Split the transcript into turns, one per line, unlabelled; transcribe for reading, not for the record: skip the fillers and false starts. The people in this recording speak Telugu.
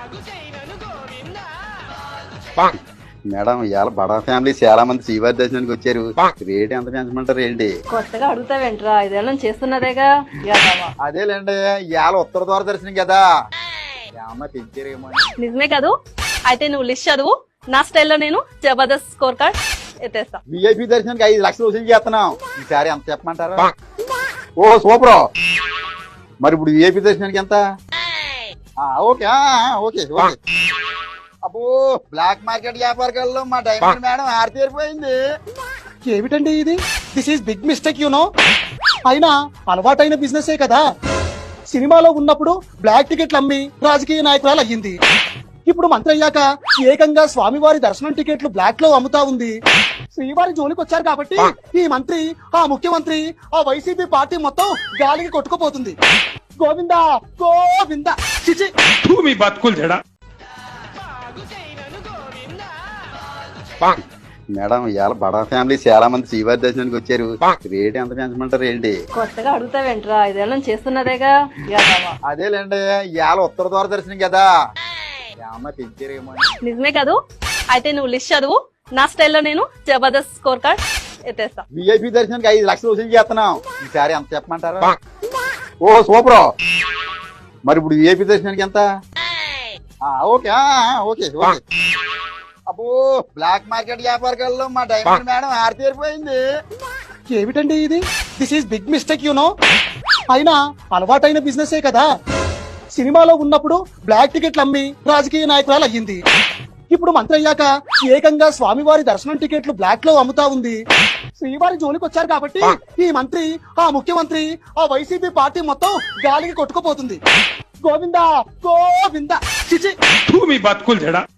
మేడం ఇవాళ బడా ఫ్యామిలీ చాలా మంది శ్రీవారి దర్శనానికి వచ్చారు. రేట్ ఎంత పెంచమంటారు ఏంటి?
కొత్తగా అడుగుతావేంట్రా, ఇదేళ్ళ చేస్తున్నదేగా.
అదేలేండి, ఇవాళ ఉత్తర ద్వార దర్శనం కదా, ఏమన్నా పెంచారేమో.
నిజమే కదూ? అయితే నువ్వు లిస్ట్ చదువు, నా స్టైల్లో నేను జబర్దస్త్ స్కోర్ కార్డ్ ఎత్తేస్తా.
విఐపి దర్శనానికి 5 లక్షలు వసూలు చేస్తున్నాం. ఈసారి ఎంత చెప్పమంటారు? Oh super. మరి ఇప్పుడు విఐపి దర్శనానికి ఎంత? Okay okay okay. అబ్బో, బ్లాక్ మార్కెట్ వ్యాపారకాల్లో మా డైమండ్ మేడం ఆరితేరిపోయింది.
ఏమిటండి ఇది? This is big mistake you know. అయినా అలవాటైన బిజినెసే కదా. సినిమాలో ఉన్నప్పుడు బ్లాక్ టికెట్లు అమ్మి రాజకీయ నాయకురాలు అయ్యింది. ఇప్పుడు మంత్రి అయ్యాక ఏకంగా స్వామివారి దర్శనం టికెట్లు బ్లాక్ లో అమ్ముతా ఉంది. శ్రీవారి జోలికి వచ్చారు కాబట్టి ఈ మంత్రి, ఆ ముఖ్యమంత్రి, ఆ వైసీపీ పార్టీ మొత్తం గాలికి కొట్టుకుపోతుంది. గోవిందా గోవిందా. చిచి,
మీ బతుకులు చెడా.
మేడం ఇవాళ బడా ఫ్యామిలీ చాలా మంది శ్రీవారి దర్శనానికి వచ్చారు. రేట్ ఎంత పెంచమంటారు ఏంటి?
కొత్తగా అడుగుతావేంట్రా, ఇదేళ్ళ చేస్తున్నదేగా.
అదేలేండి, ఇవాళ ఉత్తర ద్వార దర్శనం కదా, ఏమన్నా పెంచారేమో.
నిజమే కదూ? అయితే నువ్వు లిస్ట్ చదువు, నా స్టైల్లో నేను జబర్దస్త్ స్కోర్ కార్డ్ ఎత్తేస్తా.
విఐపి దర్శనానికి 5 లక్షలు వసూలు చేస్తున్నాం. ఈసారి ఎంత చెప్పమంటారు? Oh super. మరి ఇప్పుడు విఐపి దర్శనానికి ఎంత? Okay okay okay. అబ్బో, బ్లాక్ మార్కెట్ వ్యాపారకాల్లో మా డైమండ్ మేడం ఆరితేరిపోయింది.
ఏమిటండి ఇది? This is big mistake you know. అయినా అలవాటైన బిజినెసే కదా. సినిమాలో ఉన్నప్పుడు బ్లాక్ టికెట్లు అమ్మి రాజకీయ నాయకురాలు అయ్యింది. ఇప్పుడు మంత్రి అయ్యాక ఏకంగా స్వామివారి దర్శనం టికెట్లు బ్లాక్ లో అమ్ముతా ఉంది. శ్రీవారి జోలికి వచ్చారు కాబట్టి ఈ మంత్రి, ఆ ముఖ్యమంత్రి, ఆ వైసీపీ పార్టీ మొత్తం గాలికి కొట్టుకుపోతుంది. గోవిందా గోవిందా. చిచి,
మీ బతుకులు చెడా.